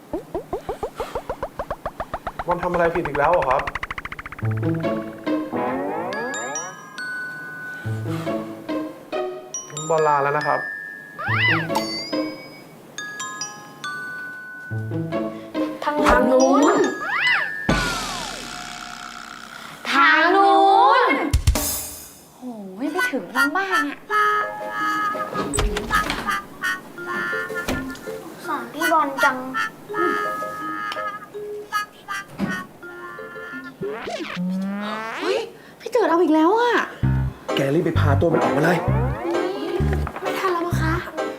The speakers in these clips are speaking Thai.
มันทำอะไรผิดอีกแล้วเหรอครับบอลลาแล้วนะครับทางนู้นทางนู้นโอ้ยไม่ถึงทางบ้านอ่ะสอนพี่บอลจังเฮ้ยพี่เจิดเอาอีกแล้วอ่ะแกรีบไปพาตัวมันออกมาเลยไม่ทันแล้วมั้งคะ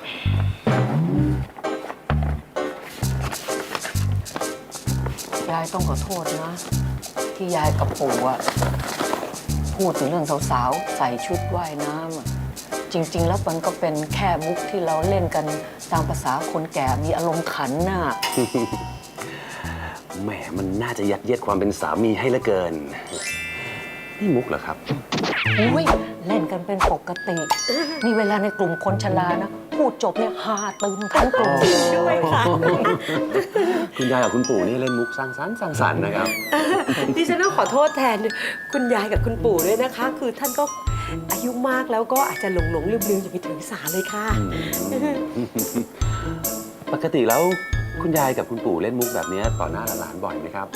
ยายต้องขอโทษนะ ที่ยายกับปู่อะพูดถึงเรื่องสาวๆใส่ชุดว่ายน้ำอะจริงๆแล้วมันก็เป็นแค่มุกที่เราเล่นกันตามภาษาคนแก่มีอารมณ์ขันน่ะแหมมันน่าจะยัดเยียดความเป็นสามีให้เหลือเกิน นี่มุกเหรอครับอุ้ยเล่นกันเป็นปกตินี่เวลาในกลุ่มคนชรานะพูดจบเนี่ยฮาตึมทั้งกลุ่มด้วยค่ะคุณยายกับคุณปู่นี่เล่นมุกสร้างสรรค์นะครับดิฉันต้องขอโทษแทนคุณยายกับคุณปู่ด้วยนะคะ คือท่านก็อายุมากแล้วก็อาจจะหลงลืมอย่าไปถือสาเลยค่ะปกติแล้วคุณยายกับคุณปู่เล่นมุกแบบนี้ต่อหน้าหลานๆบ่อยไหมครับ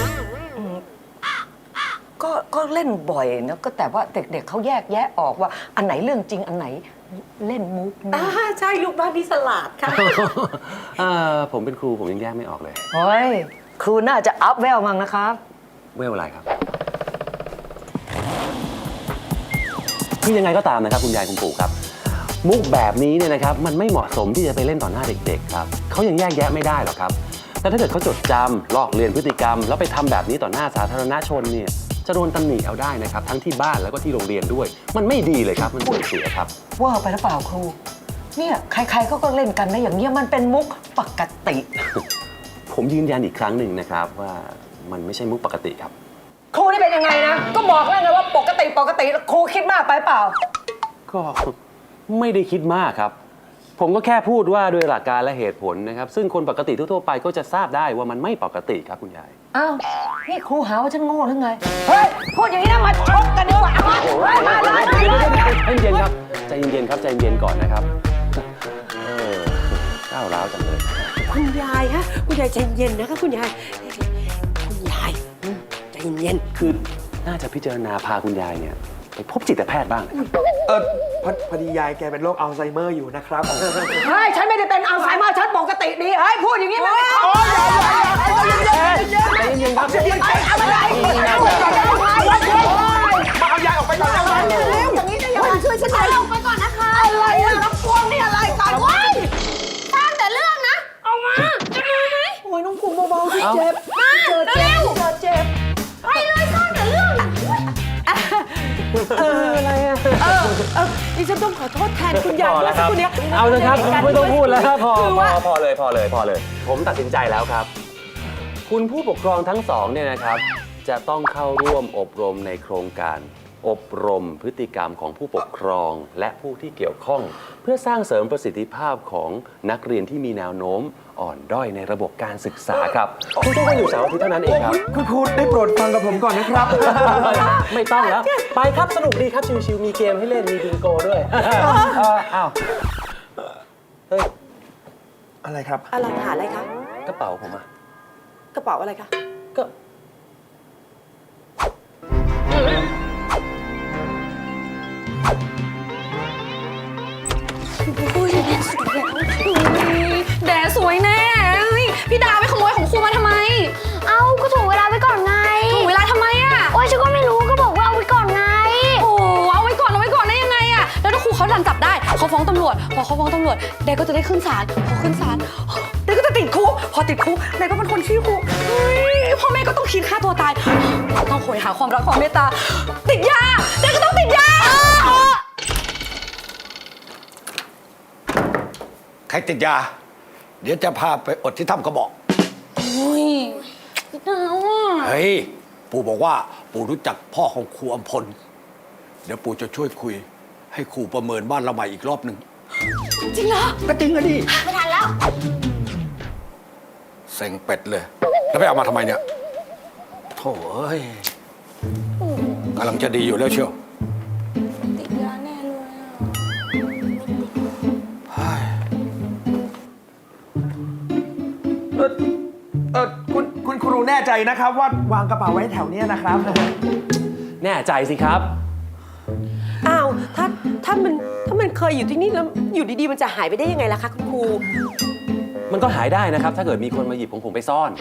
ก็เล่นบ่อยนะก็แต่ว่าเด็กๆเขาแยกแยะออกว่าอันไหนเรื่องจริงอันไหนเล่นมุกนะใช่ลูกบ้านที่สลัดค่ะผมเป็นครูผมยังแยกไม่ออกเลยเฮ้ยครูน่าจะอัพแววมั้งนะครับเวลอะไรครับคือยังไงก็ตามนะครับคุณยายคุณปู่ครับ มุกแบบนี้เนี่ยนะครับมันไม่เหมาะสมที่จะไปเล่นต่อหน้าเด็กๆครับเขายังแยกแยะไม่ได้หรอกครับแต่ถ้าเกิดเขาจดจำลอกเลียนพฤติกรรมแล้วไปทำแบบนี้ต่อหน้าสาธารณชนเนี่ยจะโดนตำหนิเอาได้นะครับทั้งที่บ้านแล้วก็ที่โรงเรียนด้วย มันไม่ดีเลยครับมันเสียครับว่าไปหรือเปล่าครูเนี่ยใครๆเขาก็เล่นกันนะอย่างเงี้ยมันเป็นมุกปกติผมยืนยันอีกครั้งหนึ่งนะครับว่ามันไม่ใช่มุกปกติครับครูนี่เป็นยังไงนะก็บอกแล้วไงว่าปกติครูคิดมากไปเปล่าก็ไม่ได้คิดมากครับ ผมก็แค่พูดว่าโดยหลักการและเหตุผลนะครับซึ่งคนปกติทั่วๆไปก็จะทราบได้ว่ามันไม่ปกติครับคุณยายอ้าวนี่ครูหาว่าฉันโง่หรือไงเฮ้ยพูดอย่างนี้นะมาชกกันดีกว่ามาเลยใจเย็นครับใจเย็นครับใจเย็นก่อนนะครับก้าวร้าวจังเลยคุณยายฮะคุณยายใจเย็นนะคะคุณยายใจเย็นคือน่าจะพิจารณาพาคุณยายเนี่ยไปพบจิตแพทย์บ้างนะครับพอดียายแกเป็นโรคอัลไซเมอร์อยู่นะครับเฮ้ยฉันไม่ได้เป็นอัลไซเมอร์ฉันปกติดีเฮ้ยพูดอย่างนี้มันไม่ชอบใจเย็นครับใจเย็นเอามาเลยเอายายออกไปก่อนอย่างนี้จะยังไงช่วยฉันหน่อยออกไปก่อนนะคะอะไรอะน้ำพวงนี่อะไรกันวะสร้างแต่เรื่องนะออกมาจะมาไหมโอ้ยน้องคุณเบาๆสิเจ็บมาเร็วเจ็บไปเลยสร้างแต่เรื่องอะไรอะดิฉันต้องขอโทษแทนคุณยายพอด้วแล้ยวครับคุณเนี้ยเอาเลยครับไม่ต้องพูดแล้วครับพอคือว่าเลยผมตัดสินใจแล้วครับ คุณผู้ปกครองทั้งสองเนี่ยนะครับจะต้องเข้าร่วมอบรมในโครงการ อบรมพฤติกรรมของผู้ปกครองและผู้ที่เกี่ยวข้อง เพื่อสร้างเสริมประสิทธิภาพของนักเรียนที่มีแนวโน้มอ่อนด้อยในระบบการศึกษาครับคุณต้องมาอยู่เสาร์อาทิตย์เท่านั้นเองครับคุณครูได้โปรดฟังกับผมก่อนนะครับไม่ต้องแล้ว ไปครับสนุกดีครับชิวๆมีเกมให้เล่นมีบิงโกด้วยอ้าวเฮ้ยอะไรครับอะไรหาอะไรคะกระเป๋าผมอะกระเป๋าอะไรคะก็แดดสวยแน่เฮ้ยพี่ดาวไปขโมยของครูมาทำไม เอ้าก็ถ่วงเวลาไว้ก่อนไงถ่วงเวลาทำไมอ่ะโอ้ยฉันก็ไม่รู้ก็บอกว่าเอาไว้ก่อนไงโอ้เอาไว้ก่อนได้ยังไงอ่ะแล้วถ้าครูเขาดันจับได้เขาฟ้องตำรวจพอเขาฟ้องตำรวจแดดก็จะได้ขึ้นศาลพอขึ้นศาลแดดก็จะติดคุกพอติดคุกแดดก็เป็นคนขี้คุกเฮ้ยพ่อแม่ก็ต้องคิดฆ่าตัวตายต้องโหยหาความรักความเมตตาติดยาแดดก็ต้องติดยาใครติดยา เดี๋ยวจะพาไปอดที่ถ้ำกระบอกอุ้ยหนาวอ่ะเฮ้ย ปู่บอกว่าปู่รู้จักพ่อของครูอำพล เดี๋ยวปู่จะช่วยคุย ให้ครูประเมินบ้านเราใหม่อีกรอบหนึ่งจริงเหรอก็จริงอะดิไม่ทันแล้วซ็งเป็ดเลย แล้วไปเอามาทำไมเนี่ยโถ่เอ้ยกำลังจะดีอยู่แล้วเชียวติดยาแน่เลยอะเฮ้ยคุณครูแน่ใจนะครับว่าวางกระเป๋าไว้แถวเนี้ยนะครับแน่ใจสิครับอ้าวถ้ามันเคยอยู่ที่นี่แล้วอยู่ดีๆมันจะหายไปได้ยังไงล่ะคะคุณครูมันก็หายได้นะครับ ถ้าเกิดมีคนมาหยิบของผมไปซ่อน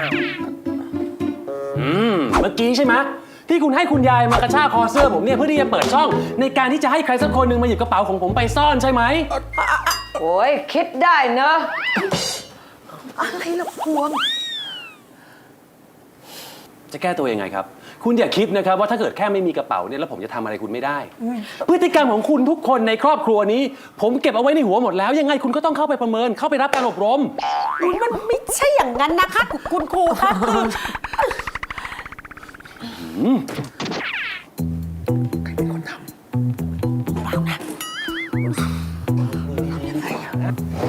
เมื่อกี้ใช่ไหมที่คุณให้คุณยายมากระชากคอเสื้อผมเนี่ยเพื่อที่จะเปิดช่อง ในการที่จะให้ใครสักคนหนึ่งมาหยิบกระเป๋าของผมไปซ่อนใช่ไหมโอ้ยคิดได้เนอะอะไรล่ะพวงจะแก้ตัวยังไงครับ คุณอย่าคิดนะครับว่าถ้าเกิดแค่ไม่มีกระเป๋าเนี่ยแล้วผมจะทำอะไรคุณไม่ได้ พฤติกรรมของคุณทุกคนในครอบครัวนี้ ผมเก็บเอาไว้ในหัวหมดแล้วยังไงคุณก็ต้องเข้าไปประเมินเข้าไปรับการอบรมมันไม่ใช่อย่างนั้นนะคะคุณครูคะคือใครเป็นคนทำเปล่านะยังไงอะ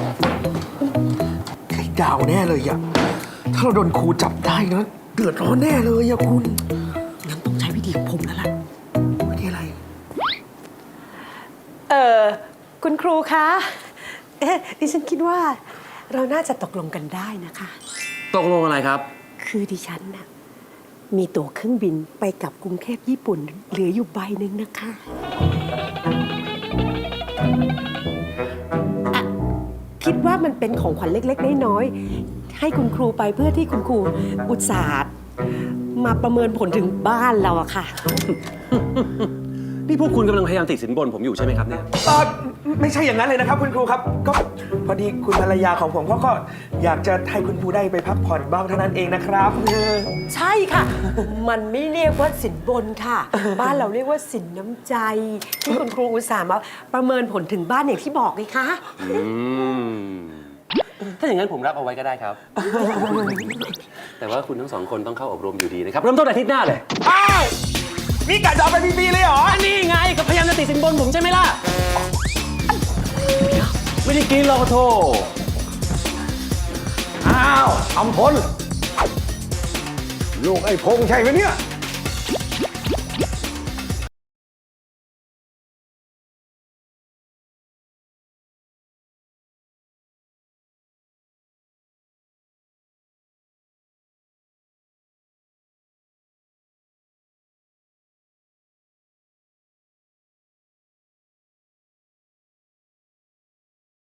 ใครดาวแน่เลยอะถ้าเราโดนครูจับได้นะเดือดร้อนแน่เลยอะคุณงั้นต้องใช้วิธีของผมแล้วล่ะวิธีอะไรคุณครูคะดิฉันคิดว่าเราน่าจะตกลงกันได้นะคะตกลงอะไรครับคือดิฉันน่ะมีตั๋วเครื่องบินไปกับกรุงเทพญี่ปุ่นเหลืออยู่ใบหนึ่งนะคะอะคิดว่ามันเป็นของขวัญเล็กๆน้อยๆให้คุณครูไปเพื่อที่คุณครูอุตส่าห์มาประเมินผลถึงบ้านเราอะค่ะนี่พวกคุณกำลังพยายามติดสินบนผมอยู่ใช่ไหมครับเนี่ยไม่ใช่อย่างนั้นเลยนะครับคุณครูครับก็พอดีคุณภรรยาของผมก็อยากจะให้คุณครูได้ไปพักผ่อนบ้างเท่านั้นเองนะครับใช่ค่ะ มันไม่เรียกว่าสินบนค่ะ บ้านเราเรียกว่าสินน้ำใจ ที่คุณครูอุตส่าห์มาประเมินผลถึงบ้านอย่างที่บอกเลยค่ะถ้าอย่างนั้นผมรับเอาไว้ก็ได้ครับ แต่ว่าคุณทั้งสองคนต้องเข้าอบรมอยู่ดีนะครับ เริ่มต้นอาทิตย์หน้าเลยอ้าวนี่กะจะเอาไปฟรีๆเลยเหรอนี่ไงก็พยายามจะติดสินบนผมใช่ไหมล่ะ ไม่ได้กินหรอกโทอ้าวอำพลลูกไอ้พงษ์ใช่ไหมเนี่ย